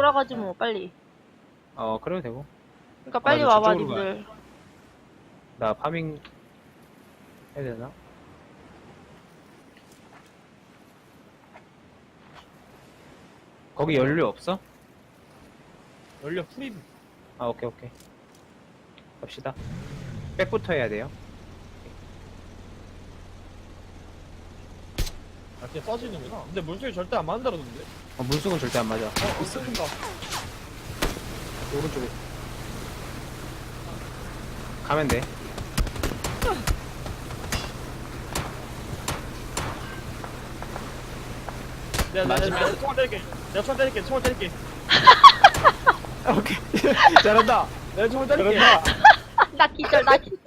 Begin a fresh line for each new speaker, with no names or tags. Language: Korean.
돌아가지 뭐 빨리.
그래도 되고.
그러니까 빨리
나
와봐
저쪽으로
님들.
나 파밍 해야 되나? 거기 연료 없어?
연료 풀임.
오케이. 갑시다. 백부터 해야 돼요.
아, 그냥 써지는구나. 근데 물속에 절대 안 만들어던데.
물속은 절대 안 맞아.
있습니다.
오른쪽에. 가면 돼.
내가 총알 때릴게. 총알 때릴게.
오케이. 잘한다.
내가 총알 때릴게.
잘한다.
나 기절 나 기절.